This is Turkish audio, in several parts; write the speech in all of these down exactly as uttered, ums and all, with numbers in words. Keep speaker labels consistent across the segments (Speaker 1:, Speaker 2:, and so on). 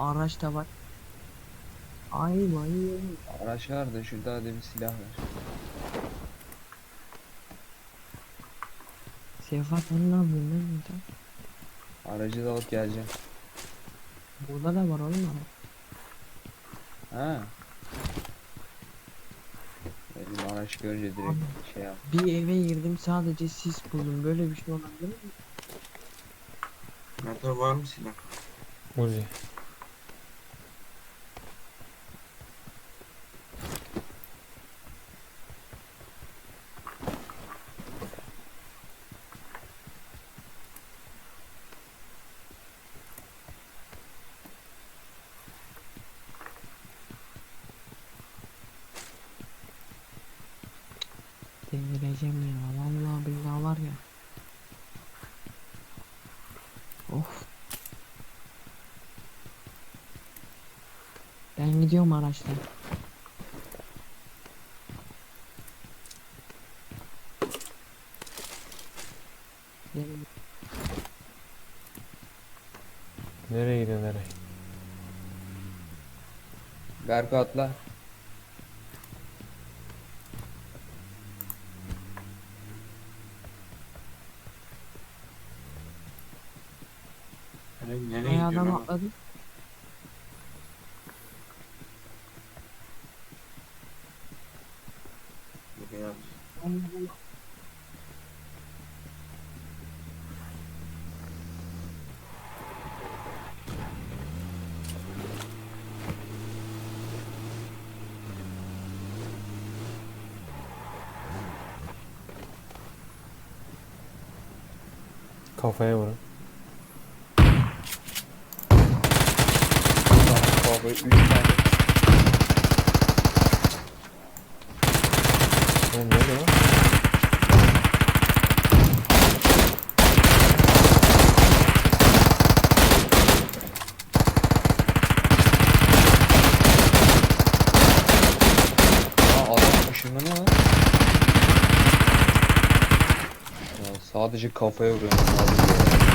Speaker 1: araç da var. Ay vay.
Speaker 2: Araç var da şurada da bir silah var.
Speaker 1: Sefa sen ne yapıyorsun lan burada?
Speaker 2: Aracı da alıp geleceğim.
Speaker 1: Burada da var oğlum araç.
Speaker 2: Ha. Dedim araç görünce
Speaker 1: Abi,
Speaker 2: direkt şey yap.
Speaker 1: bir eve girdim sadece sis buldum. Böyle bir şey olabilir mi?
Speaker 3: Mete var mı silah?
Speaker 4: Uzi.
Speaker 1: Delireceğim ya. Vallahi billahi var ya. Of. Ben gidiyorum araçla. Gelin.
Speaker 4: Nereye gidiyor nereye?
Speaker 2: Berko atla.
Speaker 3: Nereye, nereye
Speaker 1: Ay
Speaker 3: gidiyorsun
Speaker 1: adam
Speaker 3: oğlum?
Speaker 1: atladı.
Speaker 3: Buraya at.
Speaker 4: Kafaya vurun.
Speaker 2: Baba üç tane.
Speaker 4: Oğlum ne oluyor lan?
Speaker 2: Aa adam ışınlanıyor lan. Ya sadece kafaya vuruyorum. Sadece.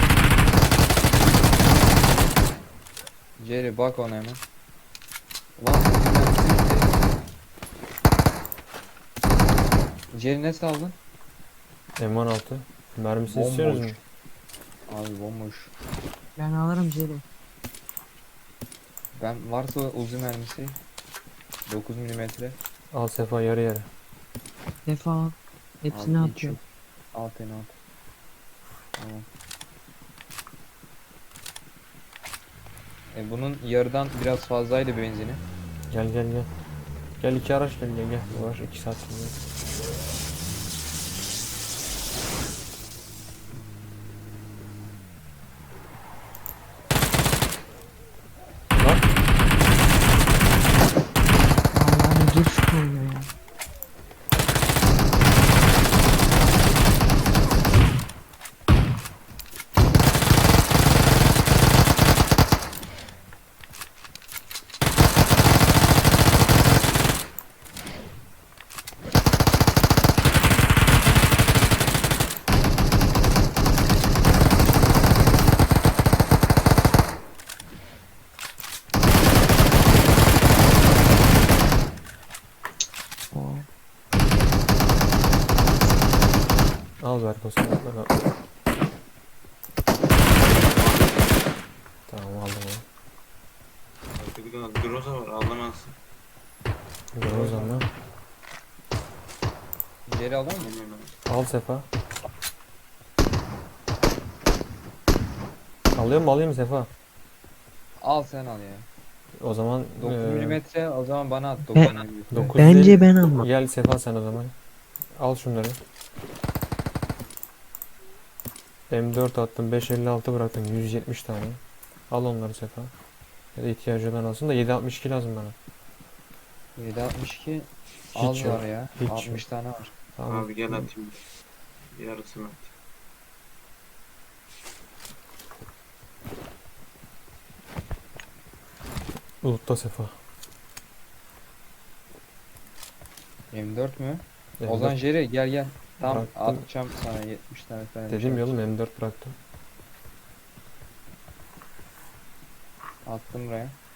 Speaker 2: Jerry bak ona hemen. Ulan Jerry ne saldın?
Speaker 4: M on altı. Mermisi istiyoruz mu?
Speaker 2: Bomboş. Abi bomboş.
Speaker 1: Ben alırım Jerry.
Speaker 2: Ben varsa uzun mermisi dokuz milimetre.
Speaker 4: Al Sefa yarı yarı.
Speaker 1: Defa hepsini
Speaker 2: Abi hiç
Speaker 1: atıyor.
Speaker 2: yok. Alt en alt. Tamam. E bunun yarıdan biraz fazlaydı benzini.
Speaker 4: Gel gel gel. Gel iki araç gel gel gel. Uğraş iki saat sonra. Lan
Speaker 1: Vallahi dur şu koyuyor ya. O.
Speaker 4: al Berko sen. Bak, al. Tamam aldım onu.
Speaker 3: Artık bir tane Groza var alamazsın.
Speaker 4: Dur o zaman.
Speaker 2: Jerry alır mı?
Speaker 3: Hemen al.
Speaker 4: Al Sefa. Alıyor mu alayım mı Sefa?
Speaker 2: Al sen al ya.
Speaker 4: O zaman
Speaker 2: dokuz
Speaker 4: eee,
Speaker 2: milimetre o zaman bana at
Speaker 1: Be-
Speaker 2: dokuz milimetre.
Speaker 4: dokuz
Speaker 1: Bence
Speaker 4: değil.
Speaker 1: ben almam.
Speaker 4: Gel Sefa sen o zaman. Al şunları. M dört attım, beş elli altı bıraktım, yüz yetmiş tane. Al onları Sefa. Ya da ihtiyacı olan alsın da yedi altmış iki lazım bana.
Speaker 2: yedi altmış iki
Speaker 4: Hiç
Speaker 2: az
Speaker 4: yok.
Speaker 2: var ya.
Speaker 4: Hiç
Speaker 2: altmış tane var.
Speaker 4: Tamam.
Speaker 3: Abi gel atayım. Yarısını at.
Speaker 4: Bulutta Sefa.
Speaker 2: M dört mü?
Speaker 4: M dört
Speaker 2: Ozan Jerry gel gel. Tam
Speaker 4: Bıraktım.
Speaker 2: atacağım sana yetmiş tane falan.
Speaker 4: dedim ya oğlum M dört bıraktım.
Speaker 2: Attım buraya.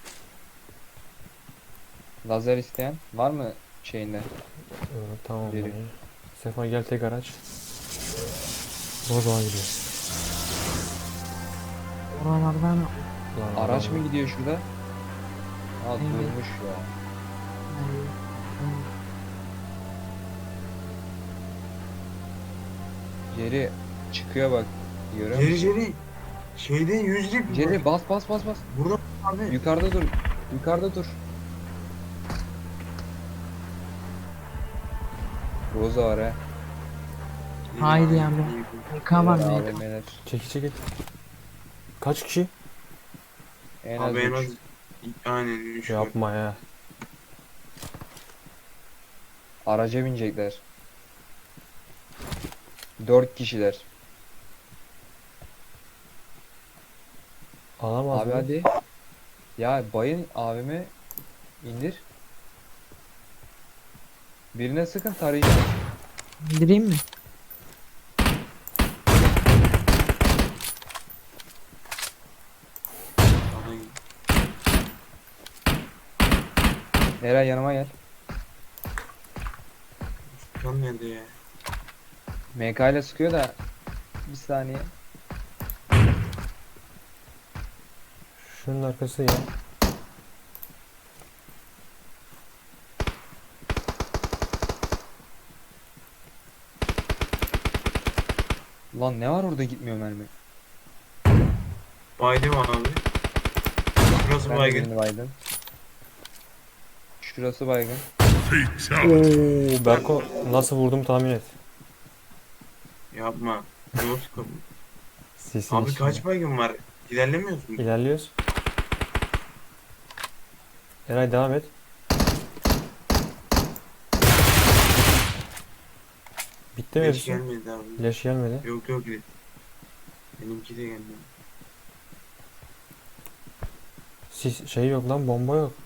Speaker 2: Lazer isteyen var mı şeyinde?
Speaker 4: Evet, tamam
Speaker 2: Biri.
Speaker 4: dayı. Sefa gel tek araç. Bozdoğa gidiyor.
Speaker 1: Oralardan
Speaker 4: Lan
Speaker 2: Araç
Speaker 4: adam-
Speaker 2: mı gidiyor şurada? Aa
Speaker 1: Evet.
Speaker 2: durmuş ya.
Speaker 1: yani,
Speaker 2: Jerry çıkıyor bak. Görüyor
Speaker 3: Jerry
Speaker 2: musun?
Speaker 3: Jerry. Şeyde yüzlük.
Speaker 2: Jerry bas bas bas bas.
Speaker 3: Burada abi.
Speaker 2: Yukarıda dur. Yukarıda dur. Roza var ha.
Speaker 1: Haydi yani. M K var
Speaker 2: Beyler,
Speaker 1: mı?
Speaker 2: A V M'ler.
Speaker 4: Çekil çekil. Kaç kişi?
Speaker 2: En az
Speaker 3: Abi en az
Speaker 2: üç.
Speaker 3: aynen üç var.
Speaker 4: Yapma ya.
Speaker 2: Araca binecekler. Dört kişiler.
Speaker 4: Alamaz
Speaker 2: Abi
Speaker 4: mı?
Speaker 2: hadi. Ya bayın A V M indir. Birine sıkın tarayacağım.
Speaker 1: İndireyim mi?
Speaker 3: Adam-
Speaker 2: Eray yanıma gel.
Speaker 3: Kan nerede ya?
Speaker 2: M K ile sıkıyor da bir saniye.
Speaker 4: Şunun arkası ya.
Speaker 2: Lan ne var orada gitmiyor mermi.
Speaker 3: Baydım abi. Burası
Speaker 2: Ben de
Speaker 3: baygın.
Speaker 2: birini baydım. Şurası baygın.
Speaker 4: Oo, Berko nasıl vurdum tahmin et.
Speaker 3: Yapma. Yok kapı.
Speaker 4: Sesin
Speaker 3: Abi
Speaker 4: içinde.
Speaker 3: kaç baygın var? İlerlemiyoruz mu?
Speaker 4: İlerliyoruz. Eray devam et. Bitti mi
Speaker 3: Beş
Speaker 4: hepsi?
Speaker 3: gelmedi abi.
Speaker 4: Leş gelmedi.
Speaker 3: Yok yok. Benimki de gelmedi.
Speaker 4: Sis, şey yok lan, bomba yok.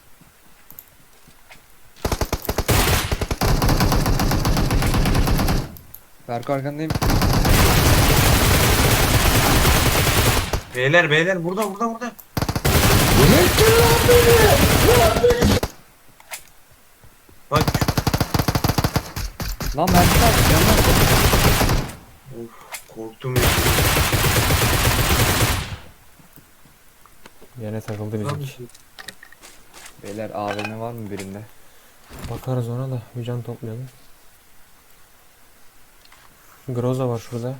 Speaker 2: Berko arkandayım.
Speaker 3: Beyler beyler burada burada burada. Bak
Speaker 2: Lan mermi var. Canım var.
Speaker 3: of korktum ya.
Speaker 4: Yine takıldı bizimki.
Speaker 2: Beyler A V M var mı birinde?
Speaker 4: Bakarız ona da, bir can toplayalım. Groza var şurada.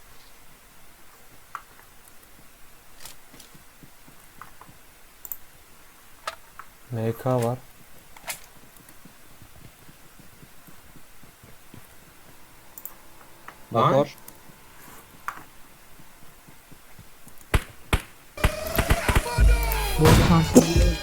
Speaker 4: M K var.
Speaker 3: Lan.
Speaker 2: Motor.
Speaker 1: Bu şanslı.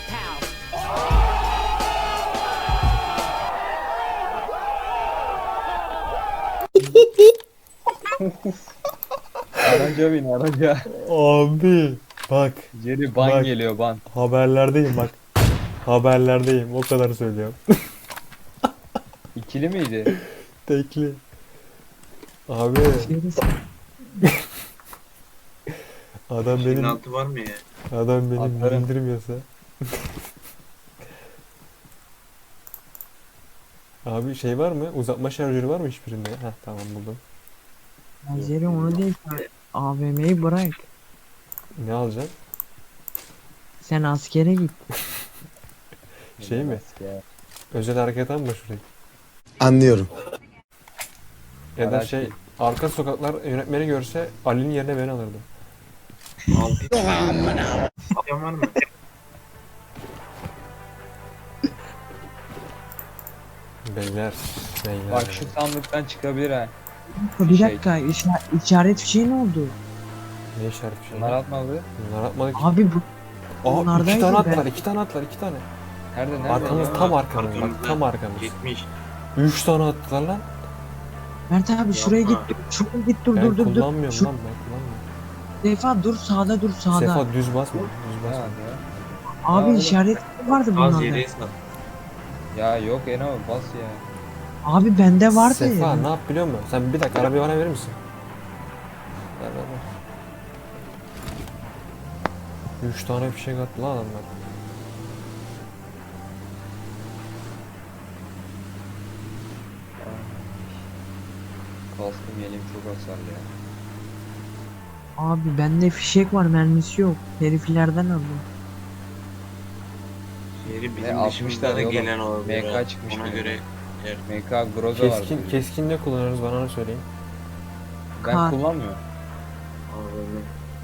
Speaker 2: Araca bin araca.
Speaker 4: Abi bak,
Speaker 2: Jerry ban
Speaker 4: Bak.
Speaker 2: geliyor ban.
Speaker 4: haberlerdeyim bak. Haberlerdeyim, o kadar söylüyorum.
Speaker 2: İkili miydi?
Speaker 4: Tekli. Abi adam
Speaker 3: Şeyin
Speaker 4: benim
Speaker 3: altı var mı ya?
Speaker 4: adam benim
Speaker 2: Atarım.
Speaker 4: indirmiyorsa. Abi şey var mı? Uzatma şarjörü var mı hiçbirinde? Heh, tamam buldum.
Speaker 1: Benzeri onu değil. A V M'yi bırak.
Speaker 4: Ne alacaksın?
Speaker 1: Sen askere git.
Speaker 4: Şey mi?
Speaker 2: Ya.
Speaker 4: Özel hareket mı şurayı?
Speaker 5: Anlıyorum.
Speaker 4: Ya da
Speaker 2: Araç
Speaker 4: şey,
Speaker 2: değil.
Speaker 4: arka sokaklar yönetmeni görse Ali'nin yerine beni alırdı.
Speaker 3: Altı. Yan var mı?
Speaker 4: Beyler. Beyler.
Speaker 2: Bak şu sandıktan çıkabilir ha.
Speaker 1: Bir
Speaker 2: Şey.
Speaker 1: dakika işa- işaret fişeği ne oldu?
Speaker 4: Ne işaret bir şey?
Speaker 2: Bunlar atmadı.
Speaker 4: Bunlar atmadık.
Speaker 1: Abi bu
Speaker 4: Aa, iki
Speaker 1: bunlardaydı
Speaker 4: tane
Speaker 1: ben-
Speaker 4: attılar, iki tane attılar, iki tane.
Speaker 2: Nerede nerede?
Speaker 4: Arkamız
Speaker 2: ya?
Speaker 4: tam arkamız bak,
Speaker 3: Arkamızda.
Speaker 4: tam arkamız.
Speaker 3: Gitmiş.
Speaker 4: Üç tane attılar lan.
Speaker 1: Mert abi şuraya git.
Speaker 3: Yapma.
Speaker 1: Şuraya git dur
Speaker 4: Ben
Speaker 1: dur dur dur.
Speaker 4: kullanmıyorum
Speaker 1: Şu
Speaker 4: lan, ben kullanmıyorum.
Speaker 1: Sefa dur sağda dur sağda.
Speaker 4: Sefa düz basma, düz
Speaker 2: Ha,
Speaker 4: basma.
Speaker 2: ya.
Speaker 1: Abi
Speaker 2: Ya,
Speaker 1: işaret vardı
Speaker 3: Az
Speaker 1: bunlarda.
Speaker 3: yere sat.
Speaker 2: Ya yok Eno bas ya.
Speaker 1: Abi bende vardı.
Speaker 4: Sefa
Speaker 1: ya.
Speaker 4: ne yap biliyor musun? Sen bir dakika arabayı bana verir misin? Ver ver ver. Üç tane fişek attı lan adamlar.
Speaker 2: Kaskım yeleğim çok hasarlı ya.
Speaker 1: Abi bende fişek var, mermisi yok. Heriflerden aldım.
Speaker 3: Yeri
Speaker 2: Ne,
Speaker 3: bizim
Speaker 2: altmış
Speaker 3: dışımızda da
Speaker 2: tane oğlum.
Speaker 3: gelen olabilir.
Speaker 2: M K
Speaker 3: ha.
Speaker 2: çıkmış
Speaker 3: Ona
Speaker 2: benim.
Speaker 3: göre yer.
Speaker 2: M K Groza var.
Speaker 4: Keskin,
Speaker 2: burada.
Speaker 4: keskin ne kullanıyoruz bana onu söyleyin.
Speaker 2: Ben
Speaker 1: Kar.
Speaker 2: kullanmıyorum.
Speaker 3: Abi,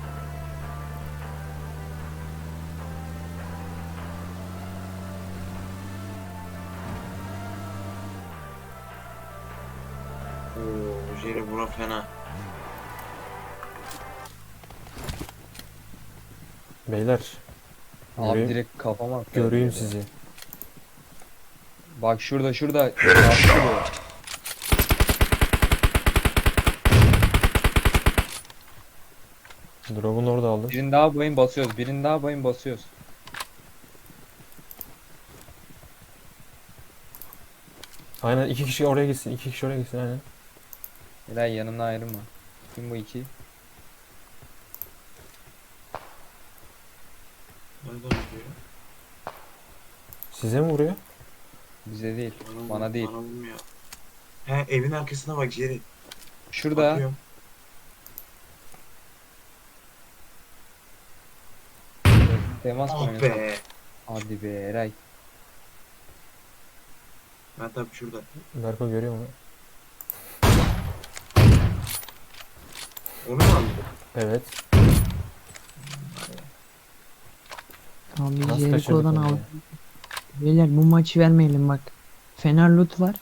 Speaker 3: Oo, Jerry bura fena.
Speaker 4: Beyler
Speaker 2: Abi
Speaker 4: göreyim,
Speaker 2: direkt kafama attı.
Speaker 4: göreyim
Speaker 2: herhalde.
Speaker 4: sizi.
Speaker 2: Bak şurada şurada. Kaskı bu.
Speaker 4: Drop'un orada aldım.
Speaker 2: Birini daha bayın basıyoruz. Birini daha bayın basıyoruz.
Speaker 4: Aynen iki kişi oraya gitsin. iki kişi oraya gitsin aynen.
Speaker 2: Helal yanımdan ayrılma. Kim bu iki?
Speaker 3: Nereden vuruyor?
Speaker 4: Size mi vuruyor?
Speaker 2: Bize değil.
Speaker 3: Bana,
Speaker 2: Bana değil.
Speaker 3: Bana vurmuyor. He evin arkasına bak Jerry.
Speaker 2: Şurada.
Speaker 3: Bakıyorum.
Speaker 2: Temas
Speaker 3: Ah
Speaker 2: koyuyor.
Speaker 3: be.
Speaker 2: Hadi be Eray.
Speaker 3: Ben tabii şurada.
Speaker 4: Berko görüyor mu?
Speaker 3: Onu mu aldın?
Speaker 4: Evet.
Speaker 1: Abi
Speaker 4: Nasıl
Speaker 1: Jericho'dan
Speaker 4: kaçırdık onu
Speaker 1: aldım.
Speaker 4: ya?
Speaker 1: Beyler bu maçı vermeyelim bak. Fener loot var.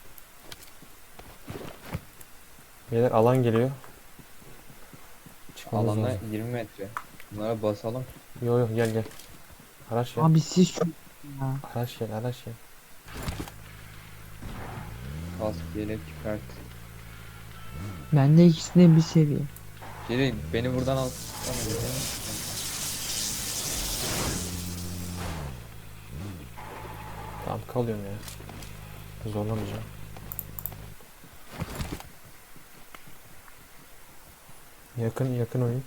Speaker 4: Beyler alan geliyor. Çıkmamız
Speaker 2: Alanda
Speaker 4: lazım.
Speaker 2: yirmi metre. Bunlara basalım.
Speaker 4: Yo yo gel gel. Araç gel.
Speaker 1: Abi siz çok ya.
Speaker 4: Araç gel araç gel.
Speaker 2: Kask, yelek, kart.
Speaker 1: Bende ikisi de bir seviye.
Speaker 2: Geri beni buradan al. Tamam, gidelim.
Speaker 4: Tamam kalıyorum ya. Zorlamayacağım. Yakın yakın oyun.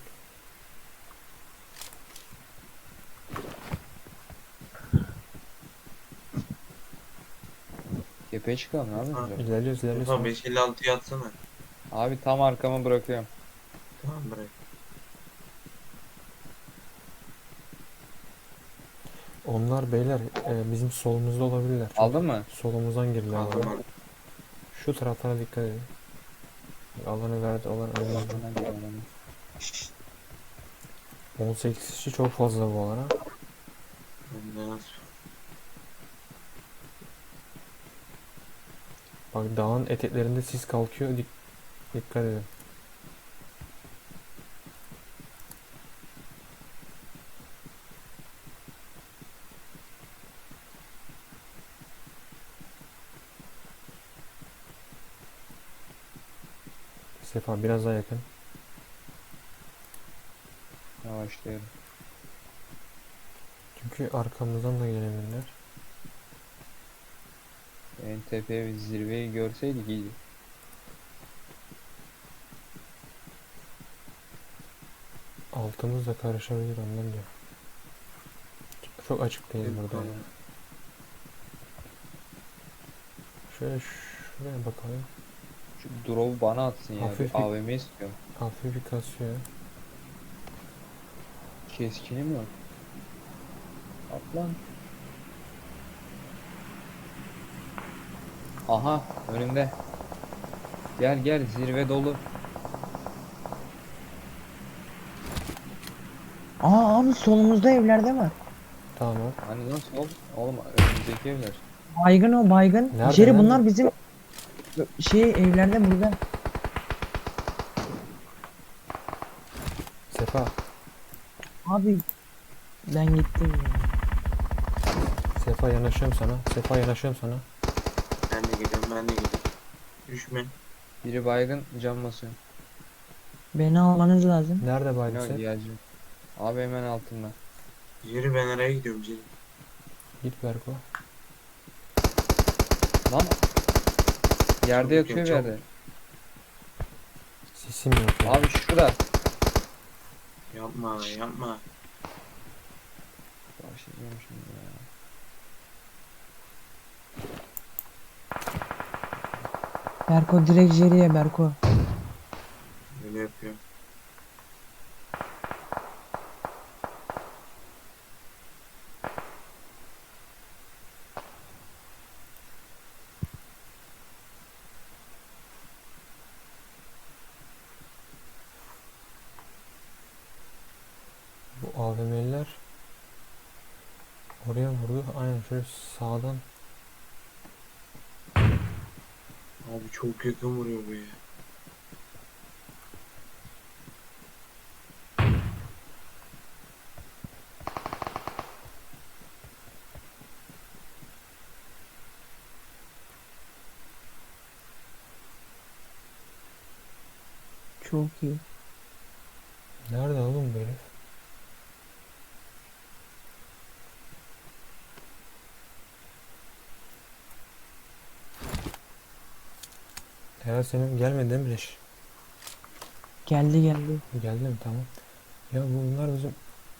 Speaker 2: Tepeye çıkalım abi.
Speaker 3: Ha.
Speaker 4: İlerliyoruz ilerliyoruz.
Speaker 3: Tamam beş elli altıya atsana.
Speaker 2: Abi tam arkama bırakıyorum.
Speaker 3: Tamam bırak.
Speaker 4: Onlar beyler e, bizim solumuzda olabilirler. Çok
Speaker 2: Aldın mı?
Speaker 4: Solumuzdan girdiler.
Speaker 3: Aldım
Speaker 4: bana.
Speaker 3: aldım.
Speaker 4: Şu taraflara dikkat edin. Alanı verdi alan önümüzde.
Speaker 2: Arkamdan geliyor adamı.
Speaker 4: on sekiz kişi çok fazla bu alana.
Speaker 3: Ben de nasıl?
Speaker 4: Bak dağın eteklerinde sis kalkıyor. Dik dikkat edin. Sefa biraz daha yakın.
Speaker 2: Yavaşlıyorum.
Speaker 4: Çünkü arkamızdan da gelebilirler.
Speaker 2: En tepe ve zirveyi görseydik iyiydi.
Speaker 4: Altımız da karışabilir ondan diyor. Çok açık değil burada.
Speaker 2: Tamam.
Speaker 4: Şöyle şuraya bakalım.
Speaker 2: Şu drop'u bana atsın ya.
Speaker 4: Hafif
Speaker 2: Bir
Speaker 4: bir-
Speaker 2: A V M istiyorum.
Speaker 4: Hafif bir kasıyor.
Speaker 2: Keskinim yok. At lan. Aha önümde. Gel gel zirve dolu.
Speaker 1: Aa abi solumuzda evlerde var.
Speaker 4: Tamam.
Speaker 2: Hani nasıl oldu? Oğlum önümüzdeki evler.
Speaker 1: Baygın o baygın.
Speaker 4: Nerede,
Speaker 1: Jerry
Speaker 4: nerede?
Speaker 1: bunlar bizim şey evlerde burada.
Speaker 4: Sefa.
Speaker 1: Abi ben gittim ya.
Speaker 4: Sefa yanaşıyorum sana. Sefa yanaşıyorum sana.
Speaker 3: Ben de gidiyorum ben de gidiyorum. Düşme.
Speaker 2: Biri baygın cam basıyor.
Speaker 1: Beni almanız lazım.
Speaker 4: Nerede baydın
Speaker 2: Yok
Speaker 4: sen?
Speaker 2: geleceğim. Abi hemen altında.
Speaker 3: Jerry ben araya gidiyorum Jerry.
Speaker 4: Git Berko.
Speaker 2: Lan. Yerde
Speaker 3: Çabuk
Speaker 2: yatıyor
Speaker 3: gel,
Speaker 2: bir yerde.
Speaker 4: Sisim yok ya.
Speaker 2: Abi şurada.
Speaker 3: Yapma yapma.
Speaker 2: Başlayacağım şimdi ya.
Speaker 1: Berko direkt Jerry'e Berko.
Speaker 3: Öyle yapıyor.
Speaker 4: Bu A V M'liler oraya vurdu. Aynen şöyle sağdan.
Speaker 3: Abi çok yakın vuruyor bu ya.
Speaker 1: Çok iyi.
Speaker 4: Nerede oğlum bu herif? Herhalde senin gelmedi değil mi leş?
Speaker 1: Geldi geldi.
Speaker 4: Geldi mi? Tamam. Ya bunlar bizim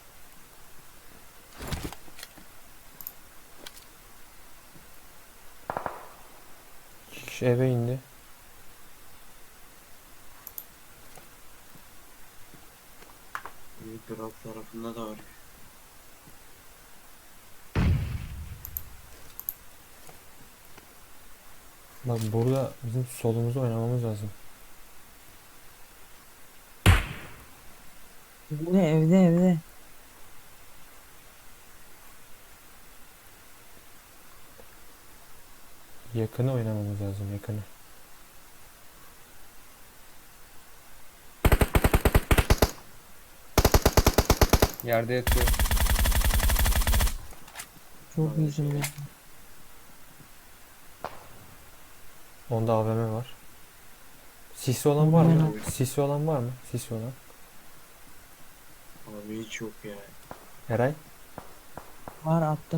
Speaker 4: iki kişi eve indi.
Speaker 3: Büyük drop tarafında da var.
Speaker 4: Bak burada bizim solumuzu oynamamız lazım.
Speaker 1: Evde evde evde.
Speaker 4: Yakını oynamamız lazım, yakını.
Speaker 2: Yerde yatıyor.
Speaker 1: Çok
Speaker 3: Abi,
Speaker 1: iyisin
Speaker 3: şey.
Speaker 1: ya.
Speaker 4: Onda A V M var. Sisi olan var mı?
Speaker 3: Aynen.
Speaker 4: Sisi olan var mı? Sisi olan.
Speaker 3: Abi hiç yok ya.
Speaker 4: Eray,
Speaker 1: Var attım.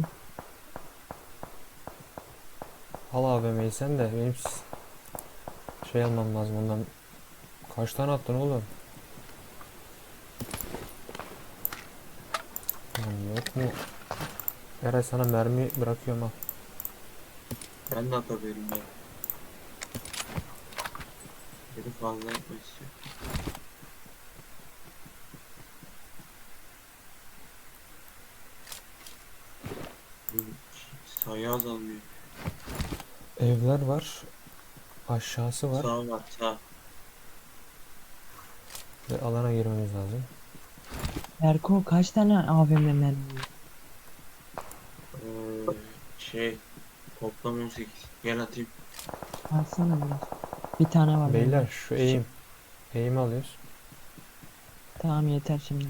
Speaker 4: al A V M'yi sen de benim s- şey almam lazım ondan. Kaç tane attın oğlum? Lan yok mu? Eray sana mermi bırakıyorum al.
Speaker 3: Ben de atabilirim ya. Biri fazla yapmak istiyor. Bu sayı azalmıyor.
Speaker 4: Evler var. Aşağısı var.
Speaker 3: Sağ var sağ.
Speaker 4: Ve alana girmemiz lazım.
Speaker 1: Erko kaç tane A V M mermi?
Speaker 3: Ee, şey toplam on sekiz. Gel atayım.
Speaker 1: Alsana biraz. Bir tane var.
Speaker 4: Beyler
Speaker 1: bende.
Speaker 4: şu eğim. Eğimi alıyoruz.
Speaker 1: Tamam yeter şimdi.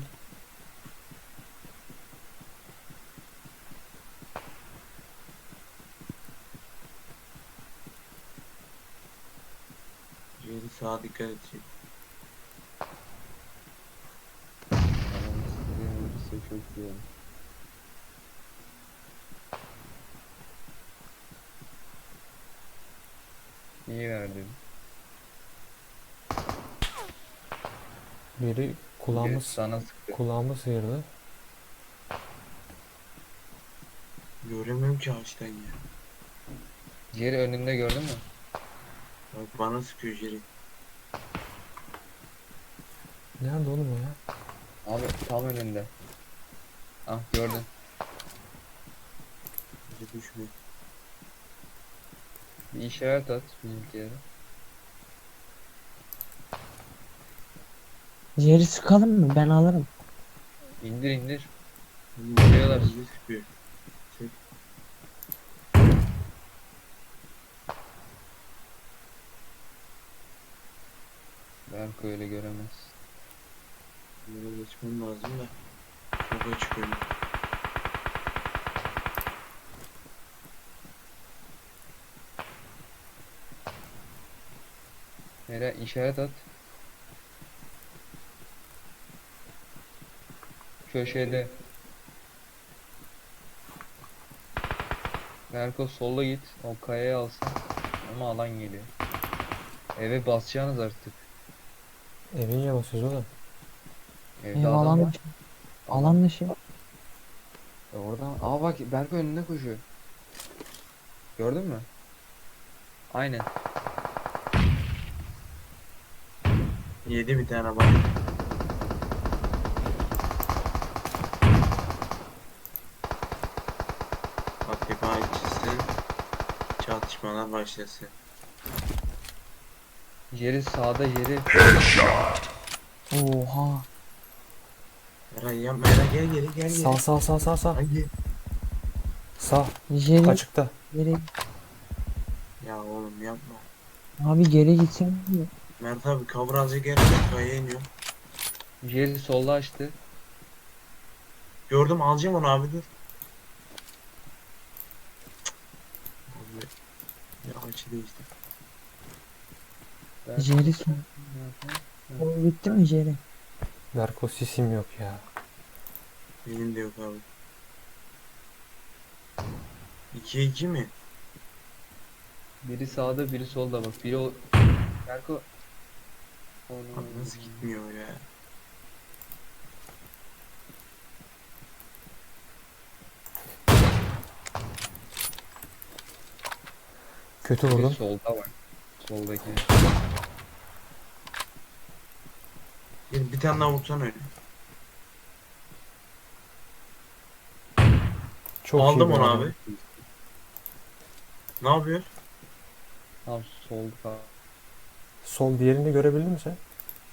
Speaker 3: Yeri sağa dikkat edecek.
Speaker 2: Adam istediğin vurursa çok iyi olur. İyi verdin.
Speaker 4: Biri
Speaker 2: Biri
Speaker 4: kulağımız
Speaker 2: sana sıktı.
Speaker 4: kulağımı sıyırdı.
Speaker 3: Göremiyorum ki ağaçtan ya.
Speaker 2: Diğeri önünde gördün mü?
Speaker 3: Bak bana sıkıyor Jerry.
Speaker 4: Nerede oğlum o ya?
Speaker 2: Abi tam önünde. Ah gördün.
Speaker 3: Bizi düşmüyor.
Speaker 2: Bir işaret at bizimkilere.
Speaker 1: Jerry sıkalım mı? Ben alırım.
Speaker 2: İndir indir.
Speaker 3: Vuruyorlar. Bizi sıkıyor. Çek.
Speaker 2: Berko öyle göremez.
Speaker 3: Böyle geçmem lazım da. Çok açık önüm.
Speaker 2: Nereye işaret at. Köşede. Berko sola git. O kayayı alsın. Ama alan geliyor. Eve basacaksınız artık.
Speaker 4: Eve niye basıyoruz oğlum?
Speaker 2: Evde
Speaker 1: Ev
Speaker 2: adam
Speaker 1: alan
Speaker 2: var.
Speaker 1: dışı. Alan dışı.
Speaker 2: E oradan. Aa bak Berko önünde koşuyor. Gördün mü? Aynen.
Speaker 3: Yedi bir tane bak. A K P açılsın. Çatışmalar başlasın.
Speaker 2: Jerry sağda Jerry.
Speaker 1: Oha.
Speaker 3: Eray yapma Eray gel geri gel geri.
Speaker 4: Sağ sağ sağ sağ sağ.
Speaker 3: Hangi?
Speaker 4: Sağ.
Speaker 1: Jerry
Speaker 4: Açıkta.
Speaker 1: geri.
Speaker 3: Ya oğlum yapma.
Speaker 1: Abi geri gitsen mi?
Speaker 3: Mert abi cover alacak gel. Kayaya iniyor.
Speaker 2: Jerry solda açtı.
Speaker 3: Gördüm alacağım onu abi dur. Abi. Ya açı değişti.
Speaker 2: Ben-
Speaker 1: Jerry son. O bitti mi Jerry?
Speaker 4: Berko sisim yok ya.
Speaker 3: Benim de yok abi. ikiye iki mi?
Speaker 2: Biri sağda biri solda bak. Biri o... Berko.
Speaker 3: Abi nasıl gitmiyor ya?
Speaker 4: Kötü
Speaker 2: Biri
Speaker 4: vurdum.
Speaker 2: solda var. Soldaki.
Speaker 3: Bir, bir tane daha vursan öyle.
Speaker 4: Çok
Speaker 3: Aldım
Speaker 4: iyi bir
Speaker 3: onu
Speaker 4: adam.
Speaker 3: abi. Ne yapıyor?
Speaker 2: Tam solda.
Speaker 4: Sol diğerini görebildin mi sen?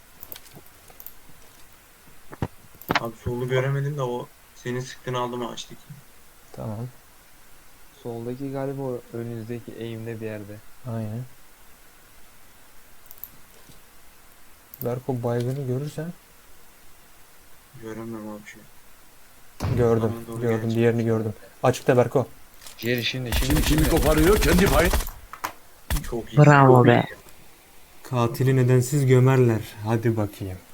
Speaker 3: Abi solu göremedim de o senin sıktığını aldım açtık.
Speaker 4: Tamam.
Speaker 2: Soldaki galiba o önünüzdeki eğimde bir yerde.
Speaker 4: Aynen. Berko baygını görürsen
Speaker 3: Göremiyorum abi şey.
Speaker 4: gördüm.
Speaker 3: Bana doğru
Speaker 4: Gördüm.
Speaker 3: gelecek.
Speaker 4: Diğerini gördüm. Açıkta Berko.
Speaker 2: Jerry şimdi şimdi
Speaker 5: Kim kimi
Speaker 2: şimdi.
Speaker 5: koparıyor kendi payı.
Speaker 3: Çok iyi.
Speaker 1: Bravo be.
Speaker 4: Katili nedensiz gömerler. Hadi bakayım.